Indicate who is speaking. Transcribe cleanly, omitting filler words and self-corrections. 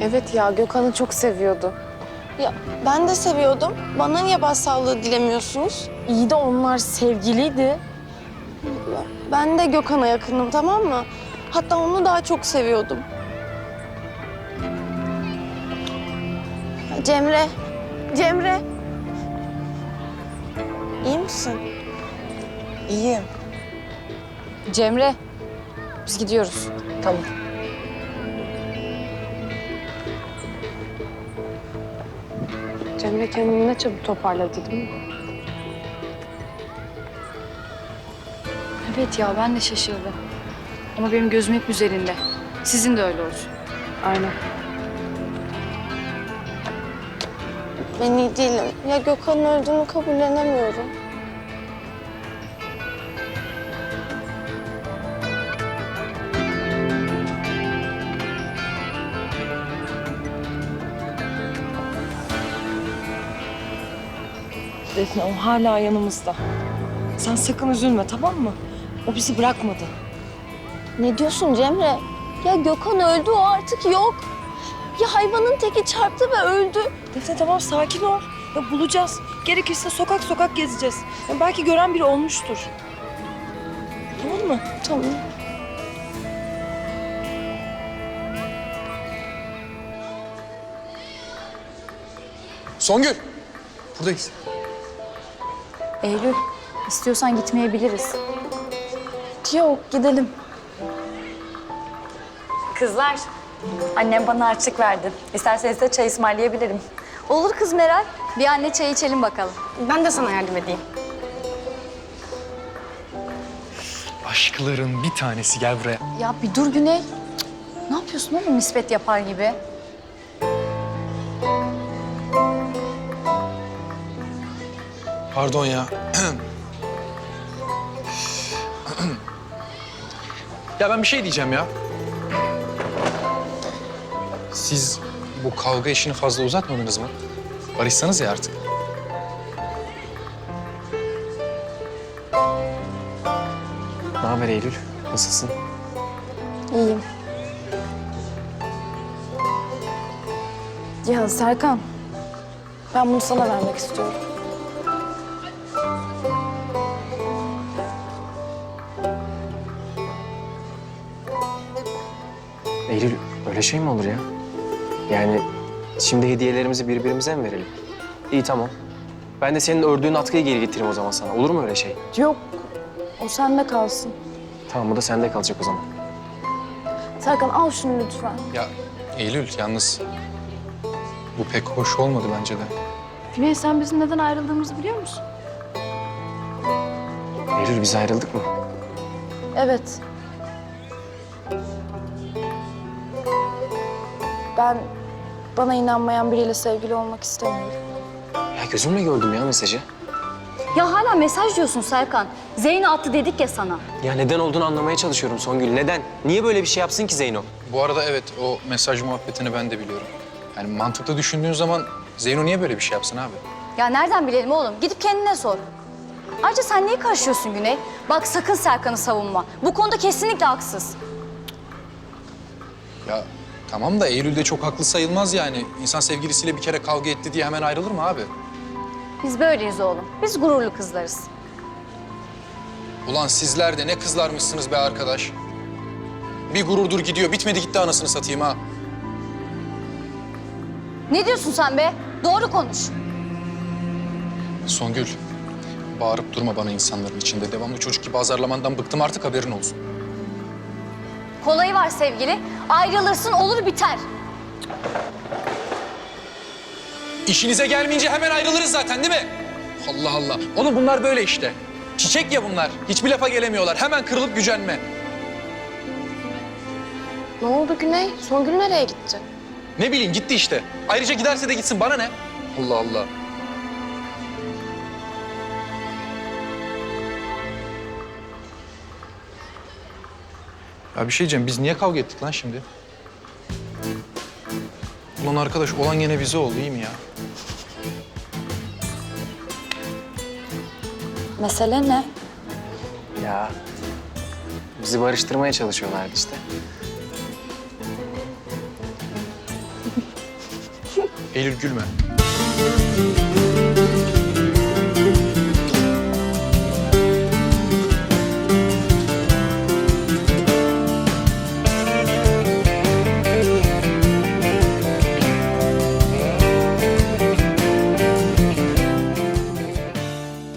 Speaker 1: Evet ya, Gökhan'ı çok seviyordu.
Speaker 2: Ya ben de seviyordum. Bana niye başsağlığı dilemiyorsunuz?
Speaker 1: İyi de onlar sevgiliydi.
Speaker 2: Ya, ben de Gökhan'a yakınım, tamam mı? Hatta onu daha çok seviyordum. Ya, Cemre. Cemre. İyi misin?
Speaker 3: İyiyim.
Speaker 1: Cemre, biz gidiyoruz.
Speaker 3: Tamam.
Speaker 1: Cemre kendini ne çabuk toparladı değil mi?
Speaker 4: Evet ya ben de şaşırdım. Ama benim gözüm hep üzerinde. Sizin de öyle olsun.
Speaker 1: Aynen.
Speaker 2: Ben iyi değilim. Ya Gökhan'ın öldüğünü kabullenemiyorum.
Speaker 3: Defne, o hala yanımızda. Sen sakın üzülme, tamam mı? O bizi bırakmadı.
Speaker 2: Ne diyorsun Cemre? Ya Gökhan öldü, o artık yok. Ya hayvanın teki çarptı ve öldü.
Speaker 3: Defne tamam, sakin ol. Ya bulacağız. Gerekirse sokak sokak gezeceğiz. Ya belki gören biri olmuştur. Tamam mı?
Speaker 2: Tamam.
Speaker 5: Songül, buradayız.
Speaker 4: Eylül, istiyorsan gitmeyebiliriz.
Speaker 2: Yok, gidelim.
Speaker 6: Kızlar, annem bana harçlık verdi. İsterseniz de çay ısmarlayabilirim.
Speaker 4: Olur kız Meral. Bir anne çay içelim bakalım.
Speaker 1: Ben de sana yardım edeyim.
Speaker 5: Aşkların bir tanesi, gel buraya.
Speaker 4: Ya bir dur Güney. Cık, ne yapıyorsun oğlum nispet yapar gibi?
Speaker 5: Pardon ya. Ya ben bir şey diyeceğim ya. Siz bu kavga işini fazla uzatmadınız mı? Barışsanız ya artık.
Speaker 7: Ne haber Eylül? Nasılsın?
Speaker 2: İyiyim.
Speaker 1: Ya Serkan, ben bunu sana vermek istiyorum.
Speaker 7: Eylül, öyle şey mi olur ya? Yani şimdi hediyelerimizi birbirimize mi verelim? İyi, tamam. Ben de senin ördüğün atkıyı geri getireyim o zaman sana. Olur mu öyle şey?
Speaker 1: Yok, o sende kalsın.
Speaker 7: Tamam, bu da sende kalacak o zaman.
Speaker 1: Serkan al şunu lütfen.
Speaker 5: Ya Eylül, yalnız bu pek hoş olmadı bence de.
Speaker 4: Güney sen bizim neden ayrıldığımızı biliyor musun?
Speaker 7: Eylül, biz ayrıldık mı?
Speaker 1: Evet. Ben bana inanmayan biriyle sevgili olmak istemiyorum.
Speaker 7: Ya gözümle gördüm ya mesajı.
Speaker 6: Ya hala mesaj diyorsun Serkan. Zeyno attı dedik ya sana.
Speaker 7: Ya neden olduğunu anlamaya çalışıyorum Songül. Neden? Niye böyle bir şey yapsın ki Zeyno?
Speaker 5: Bu arada evet, o mesaj muhabbetini ben de biliyorum. Yani mantıklı düşündüğün zaman Zeyno niye böyle bir şey yapsın abi?
Speaker 6: Ya nereden bilelim oğlum? Gidip kendine sor. Ayrıca sen niye karışıyorsun Güney? Bak sakın Serkan'ı savunma. Bu konuda kesinlikle haksız.
Speaker 5: Ya tamam da Eylül de çok haklı sayılmaz yani. İnsan sevgilisiyle bir kere kavga etti diye hemen ayrılır mı abi?
Speaker 6: Biz böyleyiz oğlum. Biz gururlu kızlarız.
Speaker 5: Ulan sizler de ne kızlarmışsınız be arkadaş. Bir gururdur gidiyor, bitmedi gitti anasını satayım ha.
Speaker 6: Ne diyorsun sen be? Doğru konuş.
Speaker 5: Songül, bağırıp durma bana insanların içinde. Devamlı çocuk gibi azarlamandan bıktım artık, haberin olsun.
Speaker 6: Kolayı var sevgili. Ayrılırsın olur biter.
Speaker 5: İşinize gelmeyince hemen ayrılırız zaten değil mi? Allah Allah. Oğlum bunlar böyle işte. Çiçek ya bunlar. Hiçbir lafa gelemiyorlar. Hemen kırılıp gücenme.
Speaker 1: Ne oldu Güney? Songül nereye gitti?
Speaker 5: Ne bileyim gitti işte. Ayrıca giderse de gitsin, bana ne? Allah Allah. Ya bir şey diyeceğim, biz niye kavga ettik lan şimdi? Ulan arkadaş, olan gene bize oldu, iyi mi ya?
Speaker 4: Mesele ne?
Speaker 7: Ya bizi barıştırmaya çalışıyorlardı işte.
Speaker 5: Eylül gülme.